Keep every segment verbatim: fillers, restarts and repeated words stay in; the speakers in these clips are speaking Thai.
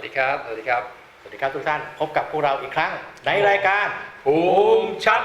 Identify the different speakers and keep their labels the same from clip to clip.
Speaker 1: ดีครับสวัสดีครับ
Speaker 2: สวัสดีครับทุกท่านพบกับพวกเราอีกครั้งในรายการ
Speaker 3: ภูมิชัด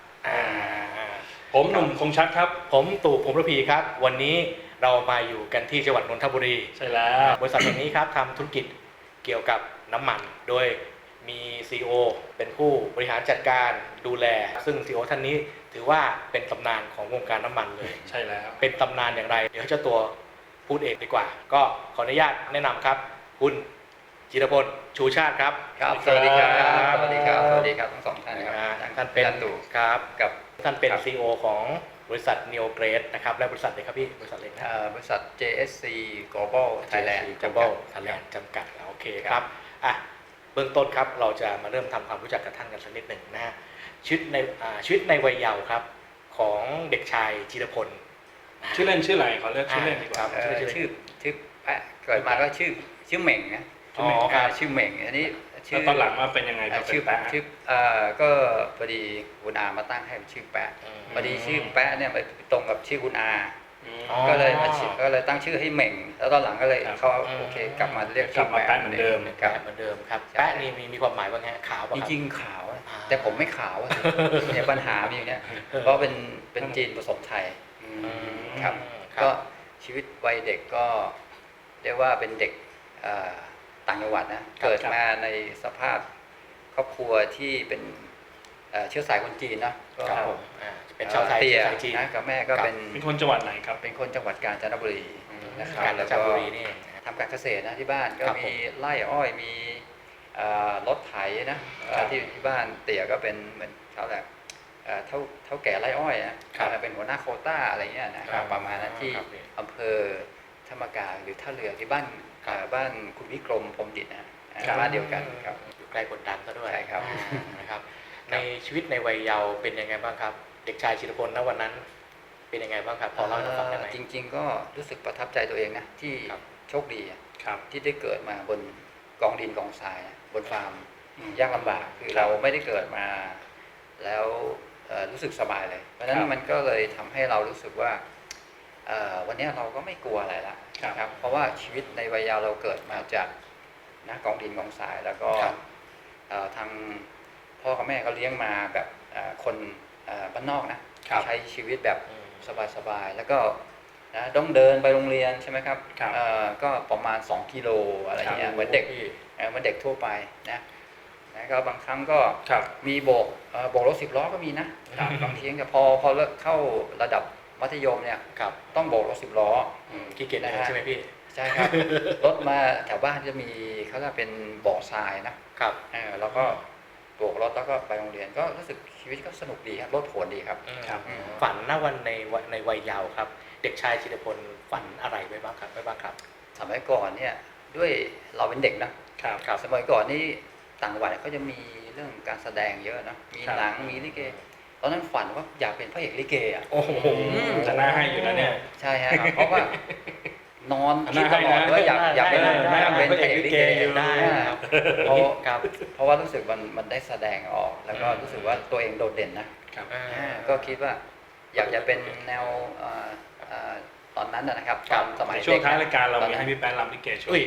Speaker 3: ผมหนุ่มคงชัดครับ
Speaker 2: ผมตู่พรหมระพีครับวันนี้เรามาอยู่กันที่จังหวัดนนทบุรี
Speaker 3: ใช่แล้ว
Speaker 2: บริษัทแห่งนี้ครับทำธุรกิจเกี่ยวกับน้ำมันโดยมี ซี อี โอ เป็นผู้บริหารจัดการดูแลซึ่ง ซี อี โอ ท่านนี้ถือว่าเป็นตำนานของวงการน้ำมันเลย
Speaker 3: ใช่แล้ว
Speaker 2: เป็นตำนานอย่างไรเดี๋ยวให้เจ้าตัวพูดเองดีกว่าก็ขออนุญาตแนะนำครับคุณจิรพลชูชาติครับ
Speaker 1: ครับสวัสดีครับสวัสดีครับสวัสดีครับทั้งสองท่านครับ
Speaker 2: ท่านเป็น
Speaker 1: ตู่
Speaker 2: ครับ
Speaker 1: กับ
Speaker 2: ท่านเป็น ซี อี โอ ของบริษัท Neo Grade นะครับและบริษัทเลยครับพี่บริษัทเล็กนะ
Speaker 1: บริษัท เจ เอส ซี Global Thailand
Speaker 2: Global Thailand จำกัดโอเคครับอ่ะเบื้องต้นครับเราจะมาเริ่มทำความรู้จักกับท่านกันสักนิดหนึ่งนะฮะชีวิตในชีวิตในวัยเยาว์ครับของเด็กชายจิรพล
Speaker 3: ชื่อเล่นชื่ออะไรขอเรียกชื่อเล่นดีกว่า
Speaker 1: ชื่อชื่อชื่อแปะเกิดมาก็ชื่อชื่อเหม่งนะ
Speaker 2: อ๋อครับ
Speaker 1: ชื่อเหม่งอันนี้
Speaker 3: ชื่อตอนหลังมาเป็นยังไง
Speaker 1: ชื่อแปะชื่อเอ่อก็พอดีคุณอามาตั้งให้เป็นชื่อแปะพอดีชื่อแปะเนี่ยไปตรงกับชื่อคุณอาก็เลยมาก็เลยตั้งชื่อให้เหม่งแล้วตอนหลังก็เลยเขาโอเคกลับมาเรียกชื่อแปะ
Speaker 3: เหมือนเดิม
Speaker 2: ครับเหมือนเดิมครับแปะนี่มีมีความหมายว่าไงขาวป่ะ
Speaker 1: จริงๆขาวแต่ผมไม่ขาวเนี่ยปัญหามีอย่างเนี้ยเพราะเป็นเป็นจีนผสมไทยครับก็ชีวิตวัยเด็กก็เรียกว่าเป็นเด็กต่างจังหวัดนะเกิดมาในสภาพครอบครัวที่เป็นเชื้อสายคนจีนนะ
Speaker 2: ครับผมเป็นชาวไทย
Speaker 1: เชื้อสายจีนนะกับแม่ก็เป็น
Speaker 3: เป็นคนจังหวัดไหนครับ
Speaker 1: เป็นคนจังหวัดกาญจนบุรีนะครับ
Speaker 2: กาญจนบุรีนี่
Speaker 1: ทำการเกษตรนะที่บ้านก็มีไร่อ้อยมีรถไถนะที่ที่บ้านเตี่ยก็เป็นเหมือนเขาแบบเท่าเท่าแก่ไร่อ้อยนะเป็นหัวหน้าโควต้าอะไรเงี้ยนะครับประมาณนั้นที่อำเภอธรรมกาหรือท่าเรือที่บ้านบ้านคุณวิกรมพรหมจิตนะบ้านเดียวกันครับ
Speaker 2: อยู่ใกล้กดดันซะด้วย
Speaker 1: ใช่ครับ
Speaker 2: นะครับในชีวิตในวัยเยาว์เป็นยังไงบ้างครับเด็กชายจิรพลณวันนั้นเป็นยังไงบ้างครับพอเล่าให้เราฟังได้ไหม
Speaker 1: จริงๆก็รู้สึกประทับใจตัวเองนะที่โชคดีที่ได้เกิดมาบนกองดินกองทรายบนฟาร์มยากลำบากคือเราไม่ได้เกิดมาแล้วรู้สึกสบายเลยเพราะฉะนั้นมันก็เลยทำให้เรารู้สึกว่าวันนี้เราก็ไม่กลัวอะไรละครับเพราะว่าชีวิตในวัยเยาว์เราเกิดมาจากนะกองดินกองทรายแล้วก็ทางพ่อกับแม่ก็เลี้ยงมาแบบคนบ้านนอกนะใช้ชีวิตแบบสบายๆแล้วก็นะต้องเดินไปโรงเรียนใช่ไหมครับก็ประมาณสองกิโลอะไรเงี้ยเหมือนเด็กเหมือนเด็กทั่วไปนะนะก็บางครั้งก็มีโบกโบกรถสิบล้อก็มีนะบางทีแต่พอพอเลิกเข้าระดับมัธยมเนี่ยต้องโบกรถสิบล้อ
Speaker 2: ขี้เกียจใช่ไหมพี่
Speaker 1: ใช่ครับรถมาแถวบ้านจะมีเขาจะเป็นบ่อทรายนะครับแล้วก็โบกรถแล้วก็ไปโรงเรียนก็รู้สึกชีวิตก็สนุกดีครับรถโผนดีครับ
Speaker 2: ฝันณวันในในวัยเยาว์ครับเด็กชายจิรพลฝันอะไรไว้บ้างครับไว้บ้างครับ
Speaker 1: สมัยก่อนเนี่ยด้วยเราเป็นเด็กนะครับสมัยก่อนนี่ต่างจังหวัดเขาจะมีเรื่องการแสดงเยอะนะมีหนังมีลิเกตอนนั้นฝันว่าอยากเป็นพระเอกลิเกอ่ะ
Speaker 3: โอ้โหจะน่าให้อยู่นะเนี่ย
Speaker 1: ใช่ฮะเพราะว่านอนคิดตลอดว่าอยากอยากเป็นอยากเป็นพระเอกลิเกอยู่ได้เพราะเพราะว่ารู้สึกมันมันได้แสดงออกแล้วก็รู้สึกว่าตัวเองโดดเด่นนะก็คิดว่าอยากจะเป็นแนวตอนนั้นนะครับตอนสมัย
Speaker 3: ช่วงท้ายรายการเรามีให้พี่แป๊ะรำลิเกช่วย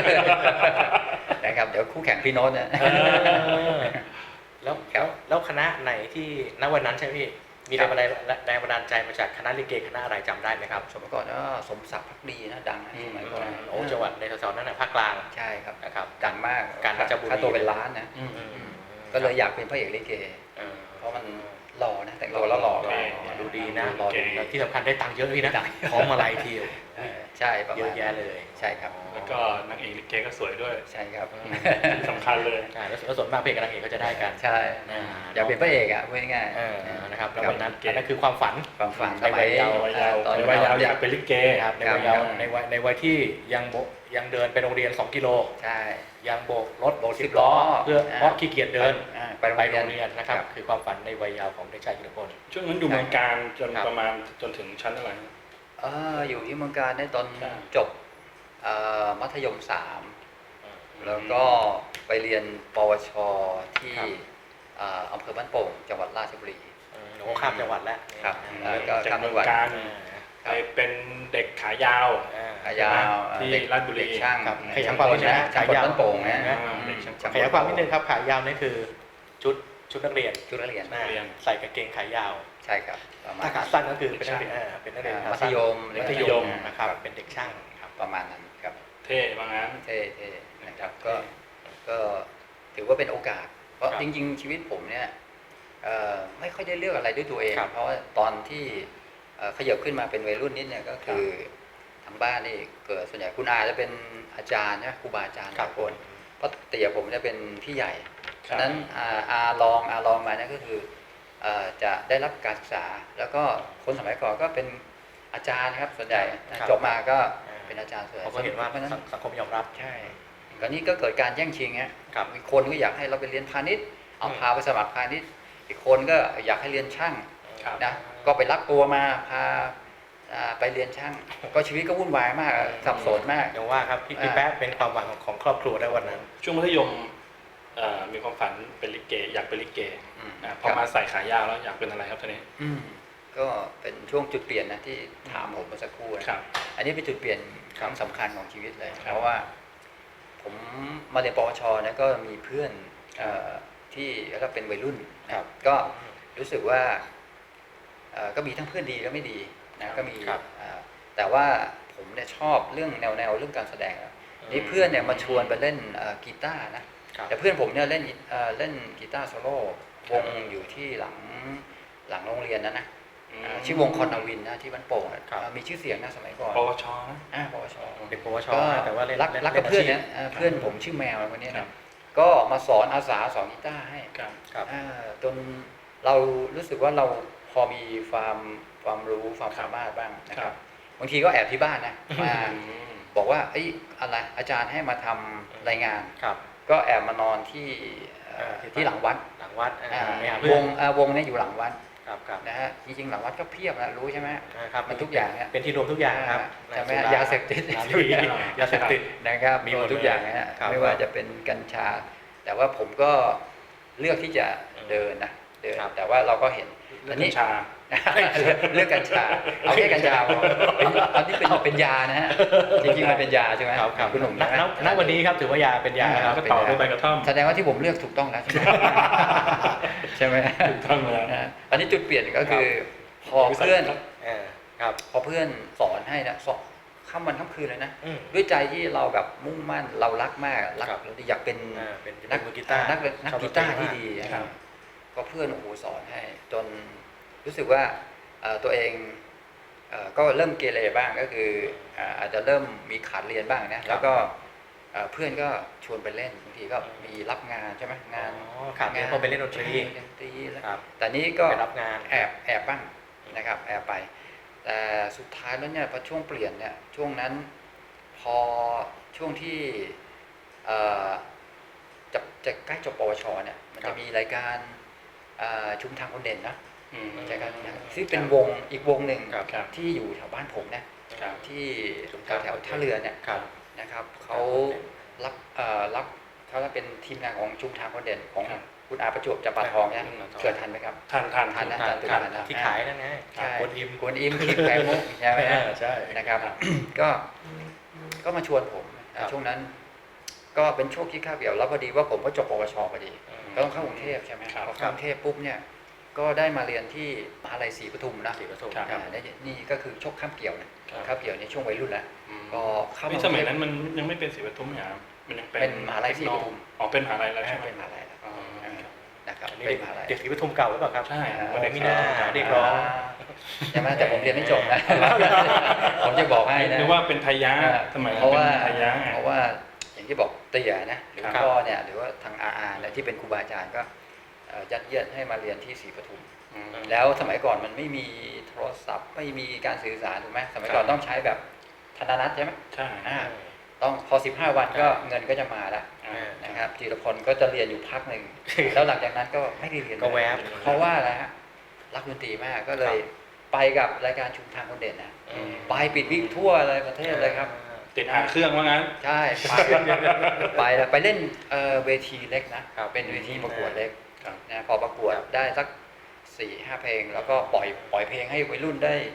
Speaker 1: นะครับเดี๋ยวคู่แข่งพี่โน้ตเนี่ย
Speaker 2: แล้วแล้วคณะไหนที่ณวันนั้นใช่ไหมพี่มีแรงบันดาลแรงบันดาลใจมาจากคณะลิเกคณะอะไรจำได้ไหมครับ
Speaker 1: สมัยก่อนก็สมศักดิ์พักดีนะดังสมัยก่อน
Speaker 2: โอ้จังหวัดในแถวๆนั้นนะภาคกลาง
Speaker 1: ใช่ครับ
Speaker 2: นะครับ
Speaker 1: ดังมาก
Speaker 2: การราชบุรี
Speaker 1: ค่าตัวเป็นล้านนะก็เลยอยากเป็นพระเอกลิเกเพราะมันหล่อนะแต่งตัวแล้วหล่อ
Speaker 2: ดูดีนะหล่อที่สำคัญได้ตังค์เยอะพี่นะพร้อมมาลัยที
Speaker 1: ใช่
Speaker 2: เยอะแยะเลย
Speaker 1: ใช่ครับ
Speaker 3: แล้วก็นางเอกลิเกก็สวยด้วย
Speaker 1: ใช่ครับ
Speaker 3: สำคัญเลย
Speaker 2: แล้วส่วนมากเพลงกับนางเอกก็จะได้กัน
Speaker 1: ใช่อยากเป็นพระเอกอ่ะพูดง่าย
Speaker 2: ๆนะครับแล้ววันนั้นนั่นคือความฝัน
Speaker 1: ความฝัน
Speaker 2: ในวัยเยาว์
Speaker 3: ตอนวัยเยาว์อยากเป็นลิเก
Speaker 2: ครับในวัยเยาว์ในวัยในวัยที่ยังยังเดินไปโรงเรียนสองกิโล
Speaker 1: ใช่
Speaker 2: ยังโบกรถโบกสิบล้อเพื่อเพราะขี้เกียจเดินไปโรงเรียนนะครับคือความฝันในวัยเยาว์ของเด็กชายจิรพล
Speaker 3: ช่วงนั้นอยู่เมืองการจนประมาณจนถึงชั้นอะไร
Speaker 1: อยู่ที่เมืองการได้ตอนจบมัธยมสามแล้วก็ไปเรียนปวชที่อำเภอบ้านโป่งจังหวัดราชบุรี
Speaker 2: โอ้ข้ามจังหวัดแล้ว
Speaker 1: ครับ
Speaker 3: แล้วก็ข้ามจังหวัดไปเป็นเด็กขายาว
Speaker 1: ขายาว
Speaker 3: ที่
Speaker 1: เด็ก
Speaker 3: ราชบุรี
Speaker 1: เด็กช่าง
Speaker 2: ครับขยายความนิดนึงนะ
Speaker 1: ช่างกลต้นโป่งนะ
Speaker 2: ขายาว
Speaker 3: อ่าเด็กช่าง
Speaker 2: ขยายความนิดนึงครับขายาวนี่คือชุดชุดนักเรียน
Speaker 1: ชุดนักเรียน
Speaker 2: นะ
Speaker 3: นักเรียน
Speaker 2: ใส่กางเกงขายาว
Speaker 1: ใช่ครับประมาณ
Speaker 2: ถ้าขาสั้นก็คือเป็นนักเรียนอ่าเป็นนักเรียน
Speaker 1: อ่า
Speaker 2: ขา
Speaker 1: มัธ
Speaker 2: สั้น
Speaker 1: ยม
Speaker 2: มัธย
Speaker 3: มัธย
Speaker 2: ม
Speaker 3: ม
Speaker 2: นะครับเป็นเด็กช่างครับ
Speaker 1: ประมาณนั้นครับ
Speaker 3: เท่ว่างั้น
Speaker 1: เท่เท่นะครับก็ก็ถือว่าเป็นโอกาส เพราะ
Speaker 3: ครับ
Speaker 1: จริงๆ ชีวิตผมเนี่ยเอ่อไม่ค่อยได้เลือกอะไรด้วยตัวเอง
Speaker 2: ครับ
Speaker 1: เพราะว่าตอนที่เอ่อขยับขึ้นมาเป็นวัยรุ่นนิดเนี่ยก็คือทางบ้านนี่เกิดส่วนใหญ่คุณอาจะเป็นอาจารย์นะครูบาอาจารย์หลายคนเพราะเตี่ยผมจะเป็นพี่ใหญ่
Speaker 3: ครับ
Speaker 1: ฉะนั้นอาอาลองอาลองมาเนี่ยก็คือเอ่อจะได้รับการศึกษา แล้วก็คนสมัยก่อนก็เป็นอาจารย์ครับส่วนใหญ่นะจบมาก็เป็นอาจารย์ส่วนใหญ่
Speaker 2: เขาก็เห็นว่า
Speaker 1: พระฉะนั้น
Speaker 2: สังคมยอมรับ
Speaker 1: ใช่ตอนนี้ก็เกิดการแย่งชิงฮะ
Speaker 2: ครับ
Speaker 1: มีคนก็อยากให้เราไปเรียนพาณิชย์ เอา
Speaker 2: อืม
Speaker 1: พาไปสมัครพาณิชย์ อีกคนก็อยากให้เรียนช่าง
Speaker 3: ครับ
Speaker 1: นะ ก็ไปรับตัวมาพาอ่าไปเรียนช่าง ก็ชีวิตก็วุ่นวายมากสับสนมาก
Speaker 2: อย่างว่าครับพี่พี่แป๊ะเป็นความหวังของของครอบครัวได้วันนั้น
Speaker 3: ช่วงมัธยมเอ่อมีความฝันเป็นลิเกอยากเป็นลิเก
Speaker 1: อืม
Speaker 3: อ่าพอมาใส่ขายาวแล้วอยากเป็นอะไรครับท่านนี้
Speaker 1: อืมก็เป็นช่วงจุดเปลี่ยนนะที่ถามผมเมื่อสักครู่นะครับ อันนี้เป็นจุดเปลี่ยนครั้งสำคัญของชีวิตเลย
Speaker 3: ครับ
Speaker 1: เพราะว่าผมมาเรียนปวชเนี่ยก็มีเพื่อนเอ่อที่ก็เป็นวัยรุ่นนะครับ ก็รู้สึกว่าเอ่อก็มีทั้งเพื่อนดีและไม่ดีนะก็มี
Speaker 2: ครับ
Speaker 1: เอ่อแต่ว่าผมเนี่ยชอบเรื่องแนวแนวเรื่องการแสดงอะนี่เพื่อนเนี่ยมาชวนไปเล่นเอ่อกีตาร์นะครับ แต่เพื่อนผมเนี่ยเล่นเอ่อเล่นกีตาร์โซโล่วงอยู่ที่หลังหลังโรงเรียนนะนะ
Speaker 3: อืม
Speaker 1: อ่าชื่อวงคอนนาวินนะที่บ้านโป่งอะ
Speaker 2: ครับ
Speaker 1: อ่ามีชื่อเสียงนะสมัยก่อน
Speaker 3: ปวชนะ
Speaker 1: อ่าปวช
Speaker 2: เด็กปวช
Speaker 1: ก็
Speaker 2: แต่ว่าเล่น
Speaker 1: รัก
Speaker 2: เล่น
Speaker 1: รักกับ
Speaker 2: ล่
Speaker 1: เพื่อน
Speaker 2: าชีพ
Speaker 1: เนี่ยอ่าเพื่อนผมชื่อแมวคนนี้
Speaker 3: ครั
Speaker 1: นะ
Speaker 3: บ
Speaker 1: ก็มาสอนอาสาสอนกีตาร์ให้
Speaker 3: ครับ
Speaker 2: ครับ
Speaker 1: อ่าจนเรารู้สึกว่าเราพอมีความความรู้ความสามารถบ้างนะค
Speaker 3: ครั
Speaker 1: รับบ บางทีก็แอบที่บ้านนะมา
Speaker 3: อืม
Speaker 1: บอกว่าเอ้ยอะไรอาจารย์ให้มาทำรายงาน
Speaker 2: ครับ
Speaker 1: ก็แอบมานอนที่เอ่อ
Speaker 2: เออที่
Speaker 1: ที่หลังวัด
Speaker 2: หลังวัดอ่า
Speaker 1: อ่า
Speaker 2: ไปหาเพื่
Speaker 1: ว
Speaker 2: อน
Speaker 1: งอ่าวงเนี่ยอยู่หลังวัด
Speaker 2: ครับครับ
Speaker 1: นะฮะจริงๆหลังวัดก็เพียบนะรู้ใช่ไหม
Speaker 2: นะครับ
Speaker 1: มันทุกอย่างเนี่ย
Speaker 2: เป็นที่รวมทุกอย่างครับ
Speaker 1: ใช่ไหม
Speaker 2: สุร
Speaker 1: ยาเสพติด
Speaker 2: ร้านบุหรี่ยาเสพติด
Speaker 1: นะครับ
Speaker 2: มี
Speaker 1: มี
Speaker 2: ห
Speaker 1: ห
Speaker 2: ม
Speaker 1: ม
Speaker 2: ด
Speaker 1: ดทุกอย่างนะฮะ
Speaker 2: ครับ
Speaker 1: ไม่ว่าจะเป็นกัญชา แต่ว่าผมก็เลือกที่จะเดินนะเดิน
Speaker 2: ครับ
Speaker 1: แต่ว่าเราก็เห็น
Speaker 3: เรื่
Speaker 1: อั
Speaker 3: อน งกั
Speaker 1: นี้
Speaker 3: ญชา
Speaker 1: เลือกกัญชาเอาแค่กัญชาพอเป็นอันนี้เป็นเป็นยานะฮะจริงๆมันเป็นยาใช่ไหม
Speaker 2: ครับครับ
Speaker 1: คุณหนุ่ม
Speaker 2: ณ
Speaker 1: ใช่ไหม
Speaker 2: ณณวันนี้ครับถือว่ายาเป็นยาครับ
Speaker 3: ก็
Speaker 2: เป็น
Speaker 3: ต่อด้วยใบ
Speaker 2: ยาก
Speaker 3: ระท่อม
Speaker 1: แสดงว่าที่ผมเลือกถูกต้องแล้วใช่ไหมใช่ไหม
Speaker 3: ถูกต้องแล้ว
Speaker 1: นะอันนี้จุดเปลี่ยนก็คือพอเพื่อน
Speaker 2: เออครับ
Speaker 1: พอเพื่อนสอนให้นะสอนค่ำวันค่ำคืนเลยนะ
Speaker 2: อืม
Speaker 1: ด้วยใจที่เราแบบมุ่งมั่นเรารักมากรัก
Speaker 2: ครับ
Speaker 1: เราอยากเป็น
Speaker 2: อ่าเป็น
Speaker 1: นัก
Speaker 2: มือกีตาร์
Speaker 1: นักนัก
Speaker 2: ชอบ
Speaker 1: กีตาร์
Speaker 2: ดนตรี
Speaker 1: ที่ดี
Speaker 2: มาก
Speaker 3: ครับ
Speaker 1: ก็เพื่อนโอ้โหสอนให้ จนรู้สึกว่าเอ่อตัวเองเอ่อก็เริ่มเกเรบ้างก็คืออ่าอาจจะเริ่มมีขาดเรียนบ้างนะแล้วก็เอ่อเพื่อนก็ชวนไปเล่นบางทีก็มีรับงานใช่ไหมงาน
Speaker 2: อ๋อขาดเรียนเพราะไปเล่นดนตรี
Speaker 1: ใช่ดนตรีแล้ว
Speaker 2: ครับ
Speaker 1: แต่นี้ก็
Speaker 2: ไปรับงาน
Speaker 1: แอบแอบบ้างนะครับแอบไป แต่สุดท้ายแล้วเนี่ยพอช่วงเปลี่ยนเนี่ยช่วงนั้นพอช่วงที่เอ่อจะจะใกล้จบปวชเนี่ยมัน
Speaker 2: ครั
Speaker 1: จะ
Speaker 2: บ
Speaker 1: มีรายการเอ่อชุมทางคนเด่นนะ
Speaker 3: อืม
Speaker 1: รายการนี้ซึ่งเป็นวงอีกวงหนึ่ง
Speaker 2: ครับ
Speaker 3: ครับ
Speaker 1: ที่อยู่แถวบ้านผมนะครับ ที่
Speaker 2: ชุม
Speaker 1: แถ
Speaker 2: ทาง
Speaker 1: วแถวท่าเรือเนี่ย
Speaker 2: ครับ
Speaker 1: นะครับเขารับเอ่อรับเขาเป็นทีมงานของชุมทางคนเด่นของ
Speaker 3: ครับ
Speaker 1: คุณอาประจวบจับปาทองเนี่ย
Speaker 2: ครับ
Speaker 1: เกิดทันไหมครับ
Speaker 3: ทันทัน
Speaker 1: ทันนะ
Speaker 2: ทาน
Speaker 1: ตื่น
Speaker 2: ทาน
Speaker 1: ทันนะ
Speaker 2: ที่ขายนั่นไง
Speaker 1: ใช่
Speaker 2: กวนอิม
Speaker 1: กวนอิมคิดไข่มุกใช่ไหมฮะ
Speaker 2: ใช่
Speaker 1: นะครับ
Speaker 3: ครับ
Speaker 1: ก็ก็มาชวนผม
Speaker 2: ครับ
Speaker 1: ช่วงนั้น ก็เป็นช่วงที่คาบเกี่ยวแล้วพอดีว่าผมก็จบปวชพอดี ก็ต้องเข้ากรุงเทพใช่ไหม
Speaker 3: ครับ
Speaker 1: พอเข้ากรุงเทพปุ๊บเนี่ยก็ได้มาเรียนที่มหาลัยศรีปทุมนะ
Speaker 2: ศรีปทุม
Speaker 3: ครับ
Speaker 1: อ่าได้นี่ก็คือช่วงข้ามเกี่ยวนะครับ คาบเกี่ยวในช่วงวัยรุ่นแล้ว
Speaker 3: อืม
Speaker 1: ก็เข้า
Speaker 3: นี่
Speaker 1: มา
Speaker 3: สมัยนั้นมันยังไม่เป็นศรีปทุมเนี่ยครับมันยังเป็น
Speaker 1: เป็นมหาลัยศรีปทุม
Speaker 3: อ๋อเป็นมหาลัยแล้วใช่ไหม
Speaker 1: เป็นมหาลัยแล้ว
Speaker 3: อ๋อ
Speaker 1: นะครับ
Speaker 2: อันนี้
Speaker 1: เป็นมหาลัย
Speaker 2: เด็กศรีปทุมเก่าหรือเปล่าครับ
Speaker 3: ใช่
Speaker 2: วันนี้มีหน้าเรียกร้อง
Speaker 1: ใช่ไหมแต่ผมเรียนไม่จบนะ ผมจะบอกให้นะ
Speaker 3: นึกว่าเป็นไทยะสมัย
Speaker 1: เพ
Speaker 3: นั้น
Speaker 1: ราะ
Speaker 3: เป็
Speaker 1: ว่า
Speaker 3: นไทยะไง
Speaker 1: เพราะว่าอย่างที่บอกเตี่ยนะหรือ
Speaker 3: ครับ
Speaker 1: พ่อเนี่ยหรือว่าทางอาอาเนี่ยที่เป็นครูบาอาจารย์ก็เอ่อยัดเยียดให้มาเรียนที่ศรีปทุม
Speaker 3: อืม
Speaker 1: แล้วสมัยก่อนมันไม่มีโทรศัพท์ไม่มีการสื่อสารถูกไหมสมัยก่อน
Speaker 3: ครับ
Speaker 1: ต้องใช้แบบธนานัตใช่ไหม
Speaker 3: ใช่
Speaker 1: อ่าต้องพอสิบห้าวันก็
Speaker 2: ใช่
Speaker 1: เงินก็จะมาแล้ว
Speaker 3: อ่า
Speaker 1: นะครับจีรพลก็จะเรียนอยู่พักหนึ่ง แล้วหลังจากนั้นก็ไม่ได้เรียน
Speaker 2: ก็แวบ
Speaker 1: เพราะว่าอะไรฮะรักดนตรีมากก็เลยไปกับรายการชุมทางคนเด่นนะ
Speaker 2: อืม
Speaker 1: ไปปิดวิ่งทั่วเลยประเทศเลยครับ
Speaker 3: ติดหางเครื่องว่างั้น
Speaker 1: ใช่ไปไปแล้วไปเล่นเอ่อเวทีเล็กนะครับ เป็นเวทีประกวดเล็ก
Speaker 3: ครับ
Speaker 1: นะพอประกวดได้สักสี่ห้าเพลง แล้วก็ปล่อยปล่อยเพลงให้วัยรุ่นได้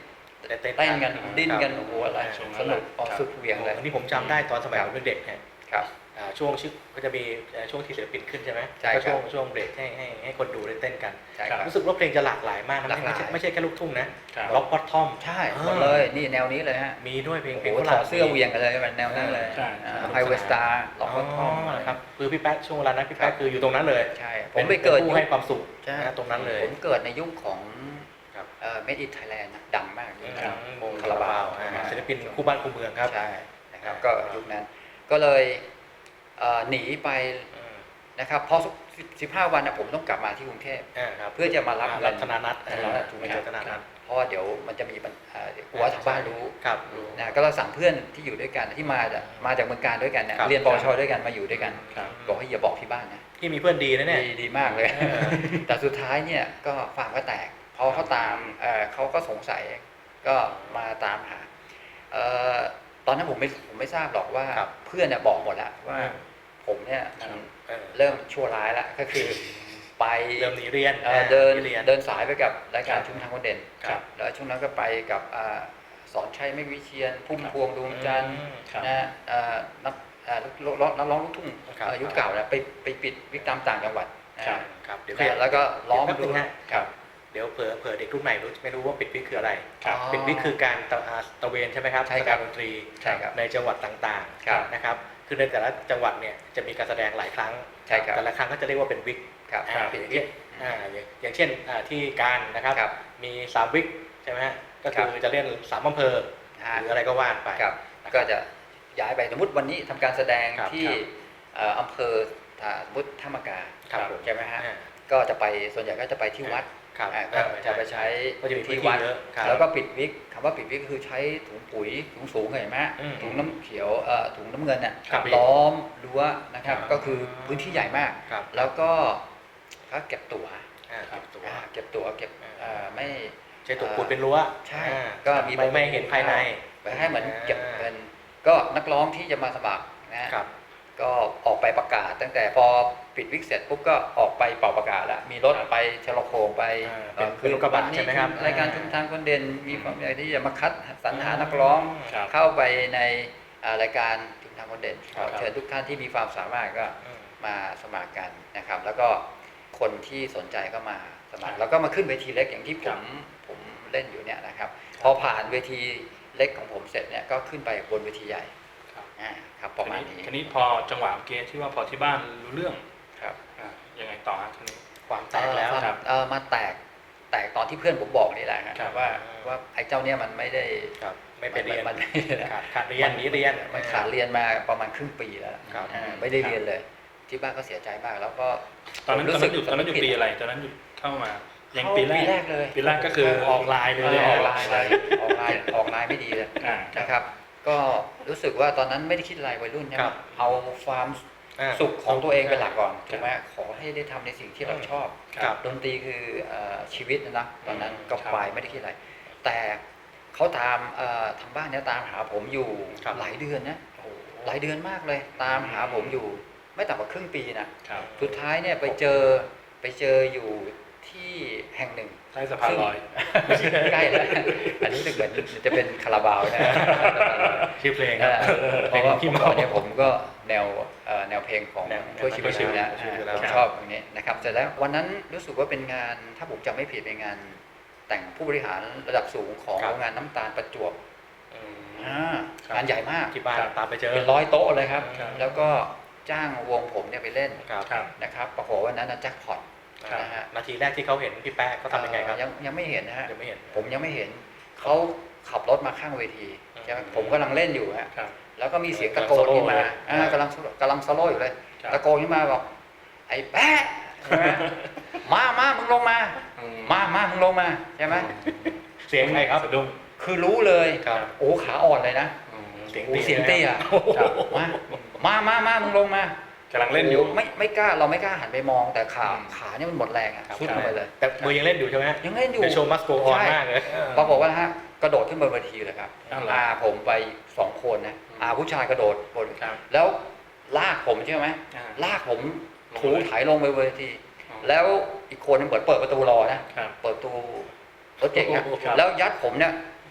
Speaker 2: ได้เต้น
Speaker 1: เต้นกัน
Speaker 2: ครับ
Speaker 1: ดิ้นกันโอ้โหอะไร
Speaker 3: ช่วงนั้น
Speaker 1: สนุกออก
Speaker 3: ครับ
Speaker 1: สุดเหวี่ยงเลย
Speaker 2: อันนี้ผมจำได้ตอนสมัยผมเด็กๆเนี่ย
Speaker 1: ครับ
Speaker 2: อ่าช่วงชื่อก็จะมีเอ่อช่วงที่ศิลปินขึ้นใช่ไหม
Speaker 1: ใช่
Speaker 2: ก็
Speaker 1: ครับ
Speaker 2: ช่วงช่วงเบรกให้ให้ให้คนดูได้เต้นกัน
Speaker 1: ใช่ครับ
Speaker 2: รู้สึกว่าเพลงจะหลากหลายมากนะ
Speaker 1: หลากหลาย
Speaker 2: ไม่ใช่ไม่ใช่แค่ลูกทุ่งนะครับ ร็อกพอตทอม
Speaker 1: ใช่หมดเลยนี่แนวนี้เลยฮะ
Speaker 2: มีด้วยเพลง
Speaker 1: โอ้
Speaker 2: เพลง
Speaker 1: โห
Speaker 2: ฝ
Speaker 1: ถ
Speaker 2: รั่
Speaker 1: อง ดเสื้อเหวียงกันเลยมันแนวนั้นเลย
Speaker 3: ใช่
Speaker 1: ไฮเวสตาร์ล็อก
Speaker 2: อ๋
Speaker 1: ก็ท่อม
Speaker 2: อครับคือพี่แป๊ะช่วงเวลานั้นพี่แป๊ะคืออยู่ตรงนั้นเลย
Speaker 1: ใช่ผมไปเกิด
Speaker 2: น
Speaker 1: ยุ
Speaker 2: ผู้
Speaker 1: ค
Speaker 2: ให้ความสุข
Speaker 1: ใช่
Speaker 2: นะตรงนั้นเลย
Speaker 1: ผมเกิดในยุคของ
Speaker 2: ครับ
Speaker 1: เอ่อเมดิไทยแลนด์นะดังมากยุค
Speaker 2: ค
Speaker 1: นั้
Speaker 2: รั
Speaker 1: น
Speaker 2: บวงคาราบาวอ่าศิลปินคู่บ้านคู่เมืองครับ
Speaker 1: ใช่นะครับ
Speaker 2: อ่า
Speaker 1: ก็ยุคนั้น ก็เลยเอ่อหนีไป
Speaker 2: อืม
Speaker 1: นะครับพอสิบห้าวันนะผมต้องกลับมาที่กรุงเทพ
Speaker 2: อ่าครับ
Speaker 1: เพื่อจะมารับ
Speaker 2: อ่า
Speaker 1: เงิ
Speaker 2: รั
Speaker 1: น
Speaker 2: ธนานัท
Speaker 1: ธนานัทถูกไหมครับ
Speaker 2: ธนานัท
Speaker 1: เพราะว่าเดี๋ยวมันจะมีปัญเอ่อเดี๋ยวกลัวทางบ้านรู้
Speaker 2: ครับรู้
Speaker 1: นะก็เราสั่งเพื่อนที่อยู่ด้วยกันที่มาจากมาจากเมืองการด้วยกันเนี่ย
Speaker 2: ครับ
Speaker 1: เรียนปวชด้วยกันมาอยู่ด้วยกัน
Speaker 3: ครับ
Speaker 1: บอกให้อย่าบอกที่บ้านนะ
Speaker 2: ที่มีเพื่อนดีนะเนี่ย
Speaker 1: ดีดีมากเลย
Speaker 2: เออ
Speaker 1: แต่สุดท้ายเนี่ยก็ฟาร์มก็แตกพอเขาตามเอ่อเขาก็สงสัยก็มาตามหาเอ่อตอนนั้นผมไม่ผมไม่ทราบหรอกว่า
Speaker 2: ครับ
Speaker 1: เพื่อนเนี่ยบอกหมดแล้วว่า
Speaker 2: อืม
Speaker 1: ผมเนี่ย
Speaker 3: ครับ
Speaker 2: เออ
Speaker 1: เริ่มชั่วร้ายแล้วก็คือไป
Speaker 2: เริ่มหนีเรียน
Speaker 1: เอ่อเดิน
Speaker 2: หเรียน
Speaker 1: เดินสายไปกับรายการ
Speaker 2: ครับ
Speaker 1: ชุมทางคนเด่น
Speaker 2: ครับ
Speaker 1: แล้วช่วงนั้นก็ไปกับอ่าสอนชัยไม่วิเชียนพุ่มพวงดวงจันทร์
Speaker 2: อืม
Speaker 3: ครับ
Speaker 1: นะเอ่อนักเอ่อนักร้องนักร้องลูกทุ่ง
Speaker 2: ครับ
Speaker 1: เอ่อยุคเก่านะไปไปปิดวิกตามต่างจังหวัดนะครับ
Speaker 2: ครับเดี๋ยว
Speaker 1: นะแล้วก็ล้อม
Speaker 2: เดี๋ยวแป๊บนึง
Speaker 1: ดู
Speaker 2: ฮะ
Speaker 1: ครับ
Speaker 2: เดี๋ยวเผื่อเผื่อเด็กรุ่นใหม่รู้ไม่รู้ว่าปิดวิกคืออะไร
Speaker 3: ครับ
Speaker 2: ปิดวิกคือการตะอ่าตะเวนใช่ไหมครับ
Speaker 1: ใช่ครับ
Speaker 2: การดนตรี
Speaker 1: ใช่ครับ
Speaker 2: ในจังหวัดต่าง
Speaker 1: ครับ
Speaker 2: ๆนะครับคือในแต่ละจังหวัดเนี่ยจะมีการแสดงหลายครั้ง
Speaker 1: ใช่ครับ
Speaker 2: แต่ละครั้งก็จะเรียกว่าเป็นวิก
Speaker 1: ครับ
Speaker 2: อ่า
Speaker 1: ปิด
Speaker 2: อย่าง
Speaker 1: วิ
Speaker 2: เช่
Speaker 1: ก
Speaker 2: นอ่าอย่างอย่างเช่นอ่าที่การนะครับ
Speaker 1: ครับ
Speaker 2: มีสามวิกใช่ไหมฮะก็
Speaker 1: ครั
Speaker 2: คือบ จะเล่นสามอำเภอ
Speaker 1: อ่า
Speaker 2: หรืออะไรก็ว่าไป
Speaker 1: ครับ
Speaker 2: นะครับ
Speaker 1: ก็จะย้ายไปสมมติวันนี้ทำการแสดง
Speaker 2: ครับ
Speaker 1: ที่
Speaker 2: ครับ
Speaker 1: เอ่ออำเภออ่าสมมติท่ามะกา
Speaker 2: ครับผม
Speaker 1: ใช่ไหมฮะ
Speaker 2: อ่า
Speaker 1: ก็จะไปส่วนใหญ่ก็จะไปที่วัด
Speaker 2: ครับ
Speaker 1: อ่าก็จะไปใช้
Speaker 2: ก็จะมีพื้น
Speaker 1: ที่
Speaker 2: ที่
Speaker 1: วัด
Speaker 2: เยอะครับ
Speaker 1: แล้วก็ปิดวิกคำว่าปิดวิกก็คือใช้ถุงปุ๋ยถุงสูงเห็นไหมฮะ
Speaker 2: อืม
Speaker 1: ถุงน้ำเขียวเอ่อถุงน้ำเงินน่ะ
Speaker 2: ครับ
Speaker 1: ล้อมรั้วนะครับ
Speaker 2: อ๋อ
Speaker 1: ก็คือพื้นที่ใหญ่มาก
Speaker 2: ครับ
Speaker 1: แล้วก็เขาเก็บตั๋ว
Speaker 2: อ่าเก็บตัว
Speaker 1: อ่าเก็บตั๋วเก็บ
Speaker 2: อ่า
Speaker 1: เอ่อไม่
Speaker 2: ใช้ตัวปูนเป็นรั้ว
Speaker 1: ใช่
Speaker 2: อ่า
Speaker 1: ก็มี
Speaker 2: ไม่ไม่เห็นภายใน
Speaker 1: ไปให้เหมือนเก็บเงินก็นักร้องที่จะมาสมัครนะฮะ
Speaker 2: ครับ
Speaker 1: ก็ออกไปประกาศ ตั้งแต่พอปิดวิกเสร็จปุ๊บก็ออกไปเป่าประกาศแล้วมีรถไปเชลโคงไป
Speaker 2: อ่า
Speaker 1: เอ่อ
Speaker 2: เป็นรถกระบะ
Speaker 1: วันนี้
Speaker 2: ใช่ไหมครับ
Speaker 1: รายการชุมทางคนเด่นมีความอยากที่จะมาคัดสรรหานักร้อง
Speaker 3: ครับ
Speaker 1: เข้าไปในอ่ารายการชุมทางคนเด่น
Speaker 3: ครับ
Speaker 1: เชิญทุกท่านที่มีความสามารถก็
Speaker 2: อืม
Speaker 1: มาสมัครกันนะครับ แล้วก็คนที่สนใจก็มาสมัค
Speaker 3: ครั
Speaker 1: ร
Speaker 3: บ
Speaker 1: แล้วก็มาขึ้นเวทีเล็กอย่างที่ผ
Speaker 3: ครั
Speaker 1: ม
Speaker 3: บ
Speaker 1: ผมเล่นอยู่เนี่ยนะครับ พอผ่านเวทีเล็กของผมเสร็จเนี่ยก็ขึ้นไปบนเวทีใหญ่
Speaker 3: ครับ
Speaker 1: อ่าครับประมาณนี้
Speaker 3: ทีนี้พอจังหวะเมื่อกี้ที่ว่าพอที่บ้านรู้เรื่อง
Speaker 1: ครับ
Speaker 3: อ่ายังไงต่อฮะทีนี้
Speaker 2: ความแตกแล้ว
Speaker 1: เอ่อ
Speaker 3: ครับ
Speaker 1: เอ่อมาแตกแตกตอนที่เพื่อนผมบอกนี่แหละฮะ
Speaker 3: ครับ
Speaker 1: ว่าว่าไอ้เจ้าเนี่ยมันไม่ได้
Speaker 2: ครับไม่ไปเรียน
Speaker 1: มัน
Speaker 2: ขาดขาดเรียนหนีเรียน
Speaker 1: มันขาดเรียนมาประมาณครึ่งปีแล้ว
Speaker 2: ครับ
Speaker 1: อ่าไม่ได้เรียนเลย ที่บ้านก็เสียใจมาก แล้วก็
Speaker 3: ตอนนั้น
Speaker 1: ผม
Speaker 3: ตอน
Speaker 1: สึ
Speaker 3: นั้นอยู่ตอนนั้นอยู่ปีอะไรตอนนั้นอยู่เข้ามายังปีแร
Speaker 1: ปี
Speaker 3: ก
Speaker 1: แรกเลย
Speaker 3: ปีแรกก็คือออกไลน์เลย
Speaker 1: เออ
Speaker 3: นะ
Speaker 1: อ
Speaker 3: ฮะ
Speaker 1: อกไลน์เลยออกไลน์ออกไลน์ไม่ดีเลย
Speaker 3: อ่า
Speaker 1: นะครับ ก็รู้สึกว่าตอนนั้นไม่ได้คิดอะไรวัยรุ่นใช่ไห
Speaker 2: ค
Speaker 1: ม
Speaker 2: รับ
Speaker 1: เอาความ
Speaker 2: อ่า
Speaker 1: สุขของตัวเองเป็นหลักก่อน
Speaker 3: ครับ
Speaker 1: ถูกไหมขอให้ได้ทำในสิ่งที่เราชอบ
Speaker 2: ครับ
Speaker 1: ดนตรีคือเอ่อชีวิตนะนะตอนนั้น
Speaker 3: อืม
Speaker 1: ก็
Speaker 3: ครับ
Speaker 1: ไปไม่ได้คิดอะไร แต่เขาตามเอ่อทางบ้านเนี่ยตามหาผมอยู่
Speaker 2: ครับ
Speaker 1: หลายเดือนนะหลายเดือนมากเลย ตามหาผมอยู่ ไม่ต่ำกว่าครึ่งปีนะครับ สุดท้ายเนี่ยไปเจอไปเจออยู่ที่แห่งหนึ่ง
Speaker 3: ใต้สะพานลอย
Speaker 1: ใกล้เลยอันนี้ถ้าเกิดจะเป็นคาราบาวนะ
Speaker 2: ชื่อเพลงค
Speaker 1: เอ
Speaker 2: รับ
Speaker 1: อเพราะว่าเมื่อก่อนเนี่ยผมก็แนวเอ่อแนวเพลงของ
Speaker 2: แนว
Speaker 1: ช่วยชีวิต
Speaker 2: ช่วยชีวิต
Speaker 1: นะ
Speaker 2: ช่วยชีวิตแล้ว
Speaker 1: ผมชอบอย่างนี้นะครับเสร็จแล้ววันนั้นรู้สึกว่าเป็นงานถ้าผมจำไม่ผิดเป็นงานแต่งผู้บริหารระดับสูงของ
Speaker 2: ครับ
Speaker 1: โรงงานน้ำตาลประจวบ
Speaker 2: อืม
Speaker 1: อ่า
Speaker 3: ครับ
Speaker 1: งานใหญ่มาก
Speaker 2: ที่บ้าน
Speaker 3: ครับ
Speaker 2: ตามไปเจอ
Speaker 1: เป็นร้อยโต๊ะเลยครับ
Speaker 3: ครับ
Speaker 1: แล้วก็จ้างวงผมเนี่ยไปเล่น
Speaker 2: ครับ
Speaker 3: ครับ
Speaker 1: นะครับปรากฏว่าวันนั้นนะแจ็คพอต
Speaker 3: ครับ
Speaker 1: นะฮะ
Speaker 2: นาทีแรกที่เขาเห็นพี่แป๊ะเขาทำยังไงครับ
Speaker 1: เอ่อยังยังไม่เห็นนะฮะ
Speaker 2: ยังไม่เห็น
Speaker 1: ผมยังไม่เห็นเขาขับรถมาข้างเวที
Speaker 2: อืม
Speaker 1: ใช่ไหมผมกำลังเล่นอยู่ฮะ
Speaker 3: ครับ
Speaker 1: แล้วก็มีเสียงตะโกนขึ้นมาอ่ากำลังกำลังโซโล่อยู่เลย
Speaker 3: ครับ
Speaker 1: ตะโกนขึ้นมาบอกไอ้แป๊ะใช่ไหมมามามึงลงมา
Speaker 3: อืม
Speaker 1: มามามึงลงมาใช่ไหม
Speaker 2: เสียงใครครับ
Speaker 3: สะดุ้ง
Speaker 1: คือรู้เลย
Speaker 2: ครับ
Speaker 1: โอ้ขาอ่อนเลยนะ
Speaker 3: อืม
Speaker 2: เสียง
Speaker 1: โอ้เสียงเตี้ย
Speaker 3: ครับ
Speaker 1: มามามามามึงลงมาก
Speaker 3: ำลังเล่นอยู่
Speaker 1: โไม่ไม่กล้าเราไม่กล้าหันไปมองแต่ขา
Speaker 3: อืม
Speaker 1: ขาเนี่ยมันหมดแรงอะ
Speaker 2: ครับ
Speaker 1: สุดลงไปเลย
Speaker 2: แต่มือยังเล่นอยู่ใช่ไหม
Speaker 1: ยังเล่นอยู่
Speaker 2: เดโชว์มัสโกออน
Speaker 1: ใช่
Speaker 2: มากเลย
Speaker 1: ปรากฏว่านะฮะกระโดดขึ้นบนเวทีเลยครับ
Speaker 3: อ้าวเหรอ
Speaker 1: อาผมไปสองคนนะอาผู้ชายกระโดดบน
Speaker 3: ครับ
Speaker 1: แล้วลากผมใช่ไหม
Speaker 3: อ่า
Speaker 1: ลากผม
Speaker 3: ลง
Speaker 1: ถู
Speaker 3: เลย
Speaker 1: ถ่ายลงไปบนเวที
Speaker 3: อ๋อ
Speaker 1: แล้วอีกคนนึงเปิดเปิดประตูรอนะครับ เปิดประตูรถเก๋งนะ
Speaker 3: ครับ
Speaker 1: แล้วยัดผมเนี่ย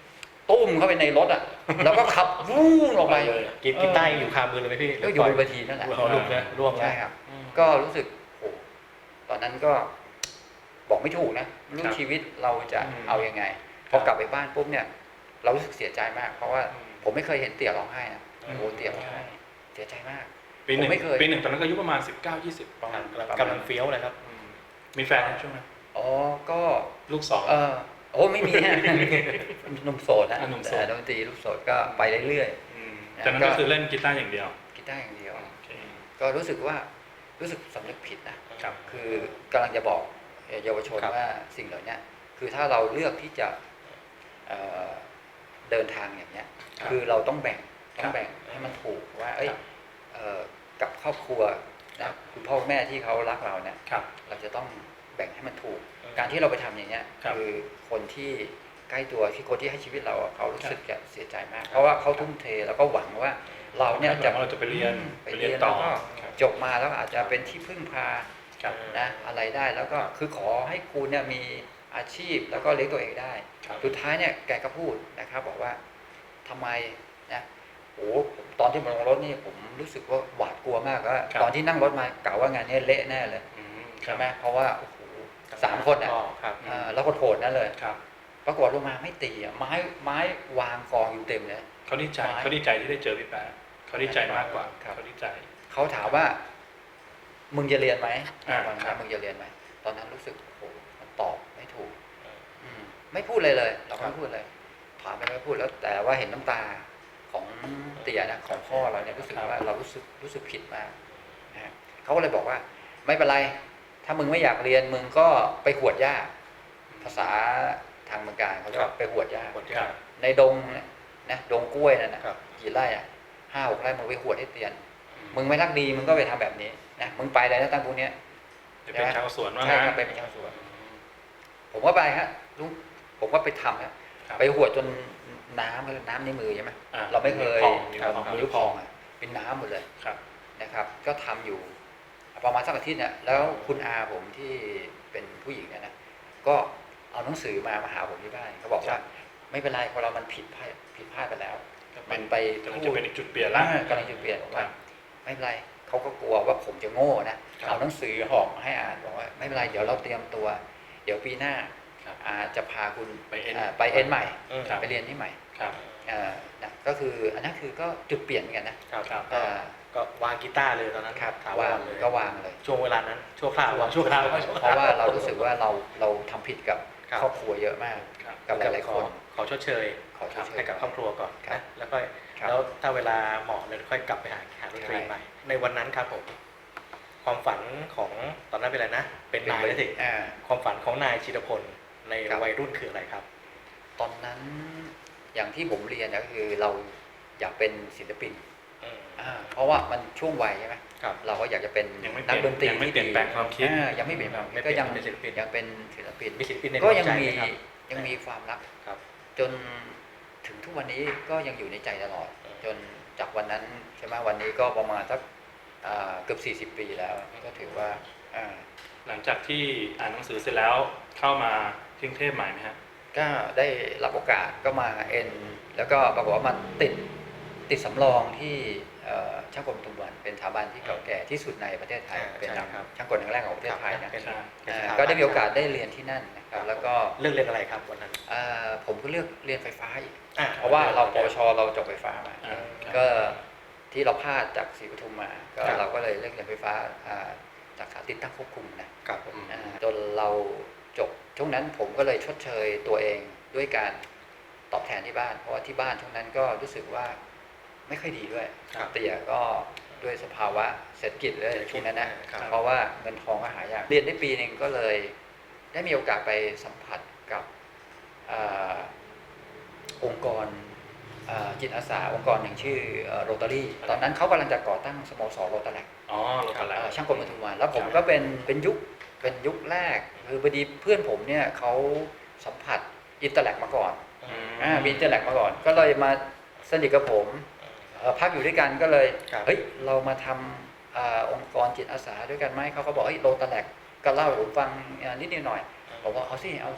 Speaker 1: ตุ้มเข้าไปในรถอ่ะ แล้วก็ขับวู้งออกไป
Speaker 3: เลย
Speaker 2: กีกีตาร์ยังอยู่คามือเลยไหมพี่
Speaker 1: ก็อยู่บนเวทีนั่นแหละ
Speaker 2: หัวหลุดนะร่วงแล้ว
Speaker 1: ใช่ครับ ก็รู้สึกโอ้ตอนนั้นก็บอกไม่ถูกนะไม่รู้
Speaker 3: ครับ
Speaker 1: ชีวิตเราจะ
Speaker 3: อืม
Speaker 1: เอายังไง พอกลับไปบ้านปุ๊บเนี่ย เรารู้สึกเสียใจมาก เพราะว่า
Speaker 3: อืม
Speaker 1: ผมไม่เคยเห็นเตี่ยร้องไห้นะ
Speaker 3: อืม
Speaker 1: โอ้เตี่ยร้องไห้เสียใจมาก
Speaker 3: ปีหนึ่ง
Speaker 1: ผมไม่เคย
Speaker 3: ปีหนึ่งตอนนั้นก็อายุประมาณสิบเก้ายี่สิบประมาณ
Speaker 2: กำลังกำลังเฟี้ยวเลยครับ
Speaker 3: อืมมีแฟนในช่วงนั้น
Speaker 1: อ๋อก็
Speaker 3: ลูกสอง
Speaker 1: เออโอ้ไม่มีฮะ หนุ่มโสดนะ
Speaker 3: อ่ะหนุ่มโสด
Speaker 1: แต่ดนตรีลูกโสดก็ไปเรื่อย
Speaker 3: มจากนั้นก็คือเล่นกีตาร์อย่างเดียว
Speaker 1: ๆกีตาร์อย่างเดียว
Speaker 3: โอเค
Speaker 1: ก็รู้สึกว่ารู้สึกสำนึกผิดนะ
Speaker 3: ครับ
Speaker 1: คือกำลังจะบอกเยาวชน
Speaker 2: ครับ
Speaker 1: ว่าสิ่งเหล่านี้คือถ้าเราเลือกที่จะเอ่อเดินทางอย่างเนี้ย
Speaker 3: ครับ
Speaker 1: คือเราต้องแบ่งต้อ
Speaker 3: ครั
Speaker 1: ง
Speaker 3: บ
Speaker 1: แบ่งให้มันถูกว่าเอ้ย
Speaker 3: ครับ
Speaker 1: เอ่อกับครอบครัว
Speaker 3: ครั
Speaker 1: นะ
Speaker 3: บ
Speaker 1: คุณพ่อคุณแม่ที่เขารักเราเนี่ย
Speaker 3: ครับ
Speaker 1: เราจะต้องแบ่งให้มันถูก
Speaker 2: อืม
Speaker 1: การที่เราไปทำอย่างเนี้ย
Speaker 3: ครับ
Speaker 1: คือคนที่ใกล้ตัวที่คนที่ให้ชีวิตเราอะเขารู้
Speaker 3: ครับ
Speaker 1: สึกจะเสียใจมาก เพราะว่าเขาทุ่มเทแล้วก็หวังว่าเราเนี่ย
Speaker 3: จะ
Speaker 1: จะ
Speaker 3: เราจะไปเรียน
Speaker 1: ไป
Speaker 3: ไป
Speaker 1: เรี
Speaker 3: เรี
Speaker 1: ย
Speaker 3: ย
Speaker 1: น
Speaker 3: น
Speaker 1: ต่
Speaker 3: ต่
Speaker 1: อ
Speaker 3: อ
Speaker 1: ก็จบมาแล้วอาจจะเป็นที่พึ่งพา
Speaker 3: ครับ
Speaker 1: นะอะไรได้แล้วก็คือขอให้คุณเนี่ยมีอาชีพแล้วก็เลี้ยงตัวเองได้
Speaker 3: ครับ
Speaker 1: สุดท้ายเนี่ยแกก็พูดนะครับบอกว่าทำไมนะโอ้ผมตอนที่มาลงรถนี่ผมรู้สึกว่าหวาดกลัวมากว่า
Speaker 3: ครับ
Speaker 1: ตอนที่นั่งรถมากะว่างานนี้เละแน่เลย
Speaker 3: อืมครั
Speaker 1: ใช่
Speaker 3: บ
Speaker 1: ไหมเพราะว่าโอ้โหสามคนอ่ะ
Speaker 2: ครับ
Speaker 1: อ่าแล้วก็โหดนั่นเลย
Speaker 3: ครับ
Speaker 1: ปรากฏลงมาไม่ตีอ่ะไม้ไม้วางกองอยู่เต็มเลย
Speaker 3: เขาดีใจ
Speaker 1: ไม้
Speaker 3: เขาดีใจที่ได้เจอพี่แป๊ะเขาดีใจมากกว่า
Speaker 1: ครับ
Speaker 3: เขาดีใจ
Speaker 1: เขาถามว่า มึงจะเรียนไหม
Speaker 3: อ่า
Speaker 1: วัน
Speaker 3: ครั
Speaker 1: นั้
Speaker 3: บ
Speaker 1: นมึงจะเรียนไหมตอนนั้นรู้สึกโอ้โหมันตอบไม่ถูก อืมไม่พูดเลยเลย เรา
Speaker 2: ครับ
Speaker 1: ไม่พูดเลยถามไปไม่พูดแล้วแต่ว่าเห็นน้ำตาของเตี่ยนะของพ่อเราเนี่ยรู้สึกว่าเรารู้สึกรู้สึกผิดมากนะฮะเขาก็เลยบอกว่า ไม่เป็นไร ถ้ามึงไม่อยากเรียนมึงก็ไปหวดหญ้าภาษาทางเมืองการเขาเรียกว่าไปหวดหญ้า
Speaker 2: หมด
Speaker 3: ค
Speaker 2: ยา
Speaker 3: รับ
Speaker 1: ในดงเนี่ยนะดงกล้วยนั่นนะครับ กี่ไร่อ่ะห้าหกไร่มึงไปหวดให้เตียน มึงไม่รักดีมึงก็ไปทำแบบนี้นะมึงไปเลยนะตั้งพวกเนี้ย
Speaker 3: จะเป็นชาวสวนว่า
Speaker 1: ใช่
Speaker 3: งั้น
Speaker 1: ครับไปเป็นชาวสวน ผมก็ไปฮะลุงผมก็ไปทำฮะ
Speaker 3: ครับ
Speaker 1: ไปหัวดจนน้ำคือน้ำในมือใช่ไหม
Speaker 3: อ่
Speaker 1: เราไม่เคย
Speaker 3: พองนิ้ว
Speaker 1: ครับ
Speaker 3: พอง
Speaker 1: นิ้วพองอ่ะเป็นน้ำหมดเลย
Speaker 3: ครับ
Speaker 1: นะครับ ก็ทำอยู่ประมาณสักอาทิตย์เนี่ยแล้วคุณอาผมที่เป็นผู้หญิงเนี่ยนะก็เอาหนังสือมามาหาผมที่บ้านเขาบอกว่า ไม่เป็นไรคนเรามันผิดพลาดผิดพลาดไปแล้ว มันไป
Speaker 3: กำลัง
Speaker 1: พู
Speaker 3: จะ
Speaker 1: ด
Speaker 3: เป็นอีกจุดเปลี่ยนละ
Speaker 1: อ่ากำลังจะเปลี่ยนบอกว่า
Speaker 3: ครับ
Speaker 1: ไม่เป็นไรเขาก็กลัวว่าผมจะโง่นะ
Speaker 3: ครับ
Speaker 1: เอาหนังสือห่อมาให้อ่านบอกว่าไม่เป็นไรเดี๋ยวเราเตรียมตัว เดี๋ยวปีหน้า
Speaker 3: ครับ
Speaker 1: อาจะพาคุณ
Speaker 3: ไปเอ็น
Speaker 1: อ่าไปเอ็นใหม่
Speaker 2: อืม
Speaker 3: ครับ
Speaker 1: ไปเรียนที่ใหม่
Speaker 3: ครับ
Speaker 1: อ่านะก็คืออันนั้นคือก็จุดเปลี่ยนเหมือนกันนะครับ
Speaker 3: ครับ
Speaker 2: ก็
Speaker 1: อ่า
Speaker 2: ก็วางกีตาร์เลยตอนนั้น
Speaker 1: ครับ
Speaker 2: ถาว
Speaker 1: วาง
Speaker 2: รเลย
Speaker 1: ก็วางเลย
Speaker 2: ช่วงเวลานั้นชั่วคราววางชั่วคราว
Speaker 1: เพราะว่าเรารู้สึกว่าเราเราทำผิดกับ
Speaker 2: ครับ
Speaker 1: ครอบครัวเยอะมาก
Speaker 3: ครับ
Speaker 1: กับหลายๆคน
Speaker 2: ขอชดเชย
Speaker 1: ขอชดเชย
Speaker 2: ให้กับครอบครัวก่อน
Speaker 1: ครับ
Speaker 2: นะแล้วก็
Speaker 1: ครับ
Speaker 2: แล้วถ้าเวลาเหมาะเลยค่อยกลับไปหาหาดนตรี
Speaker 1: ใช่
Speaker 2: ใหม่ ในวันนั้นครับผม ความฝันของตอนนั้นเป็นอะไรนะ เป็นนายแล้วสิ
Speaker 1: อ่า
Speaker 2: ความฝันของนายชิรพลใน
Speaker 1: ครับ
Speaker 2: วัยรุ่นคืออะไรครับ
Speaker 1: ตอนนั้นอย่างที่ผมเรียนนะก็คือเราอยากเป็นศิลปิน
Speaker 2: อืม
Speaker 1: อ่าเพราะว่ามันช่วงวัยใช่ไหม
Speaker 2: ครับ
Speaker 1: เราก็อยากจะเป็น
Speaker 3: ยังไม่เป
Speaker 1: นั
Speaker 3: ลี่
Speaker 1: ก
Speaker 3: ยน
Speaker 1: ดนตรี
Speaker 3: ยังไม่
Speaker 1: ที่
Speaker 3: เปลี่ยนแปลงความคิด
Speaker 1: อ่ายังไม่เปลี่ยนแปลง
Speaker 2: ไม่เป
Speaker 1: ก็
Speaker 2: ลี่ยน
Speaker 1: ยัง
Speaker 2: เป็นศิลปิน
Speaker 1: ยังเป็นศิลปิน
Speaker 2: มีศิลปินในด
Speaker 1: ก็
Speaker 2: วง
Speaker 1: ยัง
Speaker 2: ใจ
Speaker 1: มี
Speaker 2: ไหมครับ
Speaker 1: ยังมีความรัก
Speaker 2: ครับ
Speaker 1: จนถึงทุกวันนี้ก็ยังอยู่ในใจตลอด
Speaker 2: อืม
Speaker 1: จนจากวันนั้นใช่ไหมวันนี้ก็ประมาณสักอ่าเกือบสี่สิบปีแล้ว ก็ถือว่าอ่า
Speaker 3: หลังจากที่อ่านหนังสือเสร็จแล้วเข้ามาที่กรุงเทพใหม่ไหมฮะ
Speaker 1: ก็ได้รับโอกาสก็มาเอ็นแล้วก็ปรากฏว่ามาติดติดสำรองที่เอ่อช่างกลปทุมวันเป็นสถาบันที่เก่าแก่ที่สุดในประเทศไทย
Speaker 2: อ่า
Speaker 1: เป็น
Speaker 2: ใช่ครับ
Speaker 1: ช่างกลครั้งแรกของประเทศไทยนะ
Speaker 2: เป็น
Speaker 3: ใช่
Speaker 2: เป็น
Speaker 1: อ่า
Speaker 2: สถาบัน
Speaker 1: ก็ได้มีโอกาสได้เรียนที่นั่นนะครับแล้วก็
Speaker 2: เลือกเรียนอะไรครับวันนั้น
Speaker 1: อ่าผมก็เลือกเรียนไฟฟ้าอีก
Speaker 2: อ่
Speaker 1: เพราะว่าเราปวชเราจบไฟฟ้ามา
Speaker 3: อ่าครับ
Speaker 1: ก็ที่เราพลาดจากศรีปทุมมาก็
Speaker 2: ครับ
Speaker 1: เราก็เลยเลือกเรียนไฟฟ้าอ่าจากสถาติดตั้งควบคุมนะครับ
Speaker 2: ผม
Speaker 1: อ่าจนเราจบช่วงนั้นผมก็เลยชดเชยตัวเองด้วยการตอบแทนที่บ้าน เพราะว่าที่บ้านช่วงนั้นก็รู้สึกว่าไม่ค่อยดีด้วย
Speaker 2: ครับ
Speaker 1: เตี่ยก็ด้วยสภาวะเศรษฐกิจเลยช่วงนั้นนะ
Speaker 2: ครับ
Speaker 1: เพราะว่าเงินทองก็หายากเรียนได้ปีหนึ่งก็เลยได้มีโอกาสไปสัมผัสกับอ่าองค์กรอ่าจิตอาสาองค์กรหนึ่งชื่อโรตารี่ตอนนั้นเขากำลังจะก่อตั้งสโมสรโรตาแลก
Speaker 3: อ๋อโลกาแล้ว
Speaker 1: ช่างกลปทุมวันแล้วผม
Speaker 3: ครับ
Speaker 1: ก็เป็นเป็นยุคเป็นยุคแรกคือพอดีเพื่อนผมเนี่ยเขาสัมผัสอินเตอร์แลกมาก่อน
Speaker 2: อืม
Speaker 1: อ่ามีอินเตอร์แลกมาก่อน ก็เลยมาสนิทกับผมเอ่อพักอยู่ด้วยกันก็เลย
Speaker 2: ครับ
Speaker 1: เฮ้ยเรามาทำอาองค์กรจิตอาสาด้วยกันไหมเขาก็บอกเฮ้ยโรตาแลกก็เล่าให้ผมฟังอ่านิดนิดหน่อยผมว่าเอาสิเอาสิ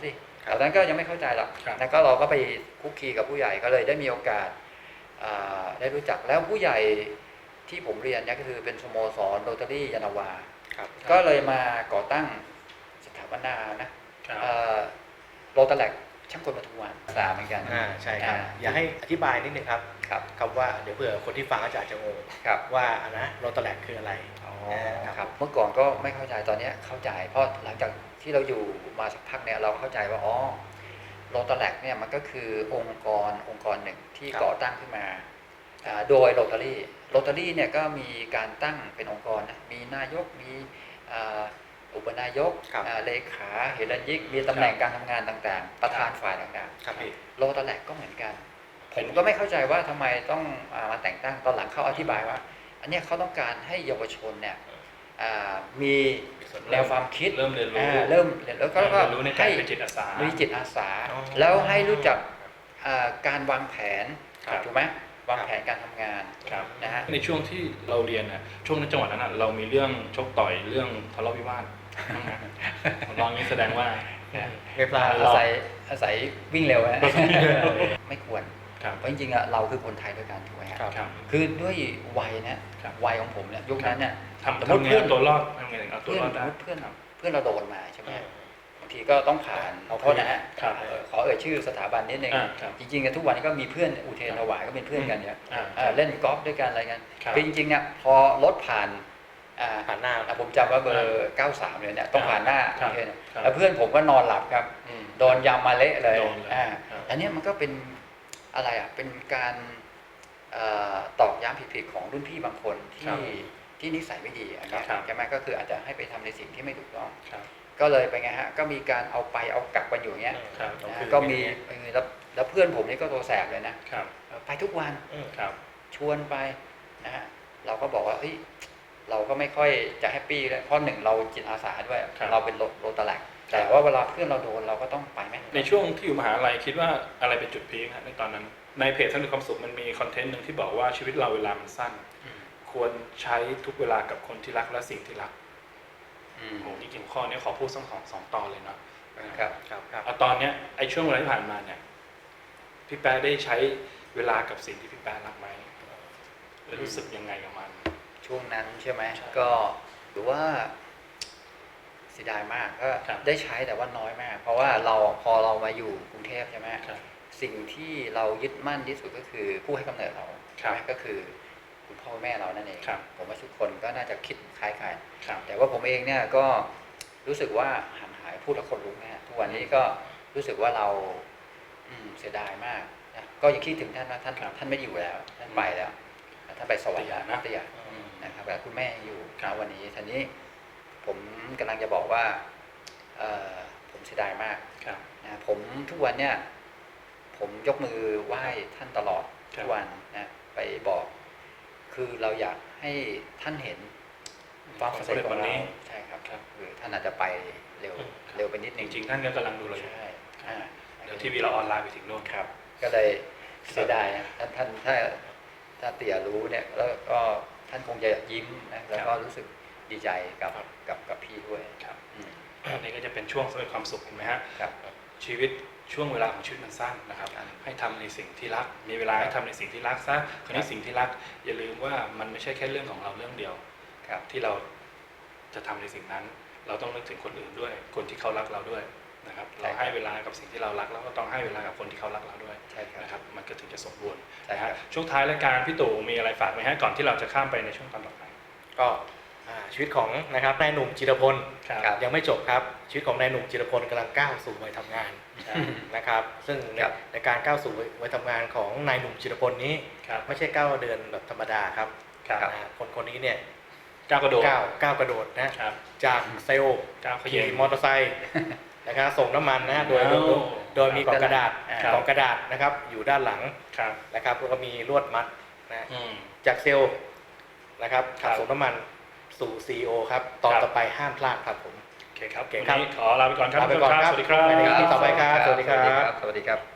Speaker 1: ตอนนั้นก็ยังไม่เข้าใจหรอก
Speaker 3: ครับ
Speaker 1: แล้วก็เราก็ไปคุกคีกับผู้ใหญ่ก็เลยได้มีโอกาสอ่าได้รู้จักแล้วผู้ใหญ่ที่ผมเรียนเนี่ยก็คือเป็นสโมสรโรตารี่ยานนาวา
Speaker 2: ครับ
Speaker 1: ก็เลยมาก่อตั้งสถาปนานะครับ เอ่อโรตาแลกช่างกลปทุมวันสาเหมือนกัน
Speaker 2: อ่าใช่ครับ
Speaker 1: อ่า
Speaker 2: อยากให้อธิบายนิดนึงครับ
Speaker 1: ครับ
Speaker 2: คำว่าเดี๋ยวเผื่อคนที่ฟังอาจจะอาจจะงง
Speaker 1: ครับ
Speaker 2: ว่าอันนะโรตาแลกคืออะไร
Speaker 1: อ๋อ
Speaker 2: ครับ
Speaker 1: ครับเมื่อก่อนก็ไม่เข้าใจตอนนี้เข้าใจ เพราะหลังจากที่เราอยู่มาสักพักเนี่ยเราเข้าใจว่าอ๋อโรตาแลกเนี่ยมันก็คือองค์กรองค์กรหนึ่งที่
Speaker 2: ครับ
Speaker 1: ก่อตั้งขึ้นมาอ่าโดยโรตารี่โรตารี่เนี่ยก็มีการตั้งเป็นองค์กรนะมีนายกมีอ่าอุปนายก
Speaker 2: ครับ
Speaker 1: อ่าเลขาเฮรัญยิกมีตำแหน่งการทำงานต่างๆ ประธานฝ่ายต่าง
Speaker 2: ครับพี่
Speaker 1: ๆโรตาแลกก็เหมือนกัน ผมก็ไม่เข้าใจว่าทำไมต้องอ่ามาแต่งตั้งตอนหลังเขาอธิบายว่า อันเนี้ยเขาต้องการให้เยาวชนเนี่ยอ่ามีแนวความคิด
Speaker 3: เริ่มเรียนรู้
Speaker 1: อ่าเริ่มเรียนแล้วก็
Speaker 3: เรียนรู้ในการ
Speaker 1: ให้
Speaker 3: เป็นจิตอาสา
Speaker 1: มีจิตอาสา
Speaker 2: อ๋อ
Speaker 1: แล้วให้รู้จักอ่าการวางแผน
Speaker 3: ครับ
Speaker 1: ถูกไหมวางแผนการทำงาน
Speaker 3: ครับ
Speaker 1: นะฮะ
Speaker 3: ในช่วงที่เราเรียนน่ะช่วงในจังหวัดนั้นน่ะเรามีเรื่องชกต่อยเรื่องทะเลาะวิวาทบ้างไหมลองนี้แสดงว่าเนี่ย
Speaker 2: ไม่พลาด
Speaker 1: อาศัยอาศัยวิ่งเร็วฮะ ไม่ควร
Speaker 3: ครับ
Speaker 1: เพราะจริงๆอะเราคือคนไทยด้วยกันถูกไหมฮะ
Speaker 2: ครับ
Speaker 3: ครับ
Speaker 1: คือด้วยวัยนะครับ วัยของผมเนี่ยยุคนั้นเนี่ย
Speaker 3: ทำ
Speaker 1: สมมติ
Speaker 3: ทำไง
Speaker 1: เพื่อน
Speaker 3: เอาตัวรอดทำไงถึงเอาตัว
Speaker 1: เพื่อน
Speaker 3: รอด
Speaker 1: ส
Speaker 3: ได้
Speaker 1: มมติเพื่อน
Speaker 3: ครับ
Speaker 1: เพื่อนเราโดนมาใช่ไหม
Speaker 2: อืม
Speaker 1: บางทีก็ต้องผ่าน
Speaker 2: เอา
Speaker 1: โทษนะฮะ
Speaker 3: ครับ
Speaker 1: เอ่อขอเอ่ยชื่อสถาบันนิดนึง
Speaker 3: อ่าครับ
Speaker 1: จริงๆอะทุกวันนี้ก็มีเพื่อนอุเทรนถวายก็เป็นเพื่อนกันเนี่ย
Speaker 3: อ่า
Speaker 1: เอ่อเล่นกอล์ฟด้วยกันอะไรกัน
Speaker 3: ครับ
Speaker 1: คือจริงๆเนี่ยพอรถผ่านอ่า
Speaker 2: ผ่านหน้า
Speaker 1: อ่ะผมจำว่าเบอร์เก้าสามเลยเนี่ยต้องผ่านหน้า
Speaker 3: ครับ
Speaker 1: อุเทรน
Speaker 3: ครับ
Speaker 1: แล้วเพื่อนผมก็นอนหลับครับ
Speaker 3: อืม
Speaker 1: โดนยำมาเละเลย
Speaker 3: โดนเลย
Speaker 1: อ่า
Speaker 3: ครับ
Speaker 1: อันเนี้ยมันก็เป็นอะไรอ่ะเป็นการเอ่อตอกย้ำผิดๆของรุ่นพี่บางคน
Speaker 3: ครั
Speaker 1: ที่
Speaker 3: บ
Speaker 1: ที่นิสัยไม่ดีอันเนี้ย
Speaker 3: ครับ
Speaker 1: ใช่ไหมก็คืออาจจะให้ไปทำในสิ่งที่ไม่ถูกต้อง
Speaker 3: ครับ
Speaker 1: ก็เลยไปไงฮะก็มีการเอาไปเอากลับกันอยู่อย่างเงี้ย
Speaker 3: ครับ
Speaker 1: นะ
Speaker 2: คือ
Speaker 1: ก็มีเออแล้วแล้วเพื่อนผมนี่ก็ตัวแสบเลยนะครับ เออไปทุกวัน
Speaker 2: อืม
Speaker 3: ครับ
Speaker 1: ชวนไปนะฮะเราก็บอกว่าเฮ้ยเราก็ไม่ค่อยจะแฮปปี้เลยเพราะหนึ่งเราจิตอาสาด้วย
Speaker 3: ครับ
Speaker 1: เราเป็นโรโรตาแลก
Speaker 3: ครับ
Speaker 1: แต่ว่าเวลาเพื่อนเราโดนเราก็ต้องไปไหม
Speaker 3: ในช่วงที่อยู่มหาลัยคิดว่าอะไรเป็นจุดพีคฮะในตอนนั้น ในเพจสร้างความสุขมันมีคอนเทนต์หนึ่งที่บอกว่าชีวิตเราเวลามันสั้น
Speaker 1: อืม
Speaker 3: ควรใช้ทุกเวลากับคนที่รักและสิ่งที่รัก
Speaker 1: อืม
Speaker 3: โอ้โหจริงๆข้อนี้ขอพูดสักสองสองตอนเลยเนาะ
Speaker 1: ครับ
Speaker 2: ครับครับ
Speaker 3: เอาตอนเนี้ยไอ้ช่วงเวลาที่ผ่านมาเนี่ยพี่แป๊ะได้ใช้เวลากับสิ่งที่พี่แป๊ะรักไหมหรือรู้สึกยังไงกับมัน
Speaker 1: ช่วงนั้นใช่ไหม
Speaker 3: ใช่
Speaker 1: ก็หรือว่าเสียดายมากก็
Speaker 3: ครับ
Speaker 1: ได้ใช้แต่ว่าน้อยมาก เพราะว่าเราพอเรามาอยู่กรุงเทพใช่ไหม
Speaker 3: ครับ
Speaker 1: สิ่งที่เรายึดมั่นที่สุดก็คือผู้ให้กำเนิดเรา
Speaker 3: ครั
Speaker 1: ใช่
Speaker 3: บ
Speaker 1: ไหมก็คือคุณพ่อแม่เรานั่นเอง
Speaker 3: ครับ
Speaker 1: ผมว่าทุกคนก็น่าจะคิดคล้ายกัน
Speaker 3: ครับ
Speaker 1: แต่ว่าผมเองเนี่ยก็รู้สึกว่าห่างหายพูดแล้วคนลุกนะฮะทุกวันนี้ก็รู้สึกว่าเราอืมเสียดายมากนะก็ยังคิดถึงท่านนะท่าน
Speaker 3: ครับ
Speaker 1: ท่านไม่อยู่แล้วท่านไปแล้วท่านไปสวรรค์แล้ว
Speaker 3: นะ
Speaker 1: ตยา
Speaker 3: อืม
Speaker 1: นะครับแต่คุณแม่ยังอยู่
Speaker 3: ครับ
Speaker 1: ณวันนี้ทีนี้ผมกำลังจะบอกว่าเอ่อผมเสียดายมาก
Speaker 3: ครับ
Speaker 1: นะผมทุกวันเนี่ยผมยกมือไหว้ท่านตลอด
Speaker 3: ครับ
Speaker 1: ทุกวันนะไปบอก คือเราอยากให้ท่านเห็นความสำเร็จของเราใช่ครับ
Speaker 3: ครับ
Speaker 1: คือท่านอาจจะไปเร็ว
Speaker 3: ครับ
Speaker 1: เร็วไปนิด
Speaker 3: จ
Speaker 1: นึง
Speaker 3: ริงๆท่านก็กำลังดูเราอยู่
Speaker 1: ใช่อ่า
Speaker 3: เดี๋ยวทีวีเราออนไลน์ไปถึงโน่น
Speaker 1: ครับ ก็เลยเสียดายนะท่านท่านถ้าถ้าเตี่ยรู้เนี่ยแล้วก็ท่านคงจะยิ้มนะแล้วก็รู้สึกดีใจกับ
Speaker 3: ครับ
Speaker 1: กับกับพี่ด้วย
Speaker 3: ครับ
Speaker 1: อืม
Speaker 3: อันนี้ก็จะเป็นช่วงสำเร็จความสุขเห็นไหมฮะ
Speaker 1: ครับ
Speaker 3: ชีวิตช่วงเวลาของชีวิตมันสั้นนะครับ
Speaker 1: ครับ
Speaker 3: ให้ทำในสิ่งที่รัก มีเวลาให้ทำในสิ่งที่รักซะคราวนี้สิ่งที่รัก อย่าลืมว่ามันไม่ใช่แค่เรื่องของเราเรื่องเดียว
Speaker 1: ครับ
Speaker 3: ที่เราจะทำในสิ่งนั้น เราต้องนึกถึงคนอื่นด้วย คนที่เขารักเราด้วยนะครับ
Speaker 1: ใช่
Speaker 3: เรา
Speaker 1: ครับ
Speaker 3: ให้เวลากับสิ่งที่เรารักแล้วก็ต้องให้เวลากับคนที่เขารักเราด้วย
Speaker 1: ใช่ครับ
Speaker 3: นะครับ มันก็ถึงจะสมบูรณ์
Speaker 1: ใช่
Speaker 3: นะ
Speaker 1: ครั
Speaker 3: ฮะ
Speaker 1: บ
Speaker 3: ช่วงท้ายรายการพี่ตู่มีอะไรฝากไหมฮะก่อนที่เราจะข้ามไปในช่วงตอนต่อไป
Speaker 2: ก็อ่าชีวิตของนะครับนายหนุ่มจิรพล
Speaker 3: ครับ
Speaker 2: ยังไม่จบครับชีวิตของนายหนุ่มจิรพลกำลังก้าวสู่วัยทำงาน
Speaker 3: ใช่
Speaker 2: นะครับ ซึ่งใน
Speaker 1: ครับ
Speaker 2: ในการก้าวสู่วัยทำงานของนายหนุ่มจิรพลนี้
Speaker 3: ครับ
Speaker 2: ไม่ใช่ก้าวเดินแบบธรรมดาครับ
Speaker 3: ครับ
Speaker 2: นะฮะคนคนนี้เนี่ย
Speaker 3: ก้าวกระโดด
Speaker 2: ก้าวก้าวกระโดดนะครับ จากเซลล์
Speaker 3: ก้าวเข
Speaker 2: ขี่
Speaker 3: ย่ง
Speaker 2: มอเตอร์ไซค์นะครับส่งน้ำมันนะโดยโดยโดยโดยมีกล่องกระดาษ
Speaker 1: ครับ
Speaker 2: กล่องกระดาษนะครับอยู่ด้านหลัง
Speaker 3: ครับ
Speaker 2: นะครับแล้วก็มีลวดมัดนะ
Speaker 3: อืม
Speaker 2: จากเซลล์นะครับ
Speaker 3: ครั
Speaker 2: ขั
Speaker 3: บ
Speaker 2: บส่งน้ำมันสู่ ซี อี โอ ครับตอน
Speaker 3: ครับ
Speaker 2: ต่อไปห้ามพลาดครับผม
Speaker 3: โอเคครับ
Speaker 2: โอเค
Speaker 3: วัน
Speaker 2: ครับ
Speaker 3: นี้ขอลาไปก่อนครับ
Speaker 2: ลาไปก่อนครับ
Speaker 3: สวัสดีครับ
Speaker 2: ไปใน อี พี ต่อไปครับสวัสดีครับ
Speaker 1: สวัสดีครับ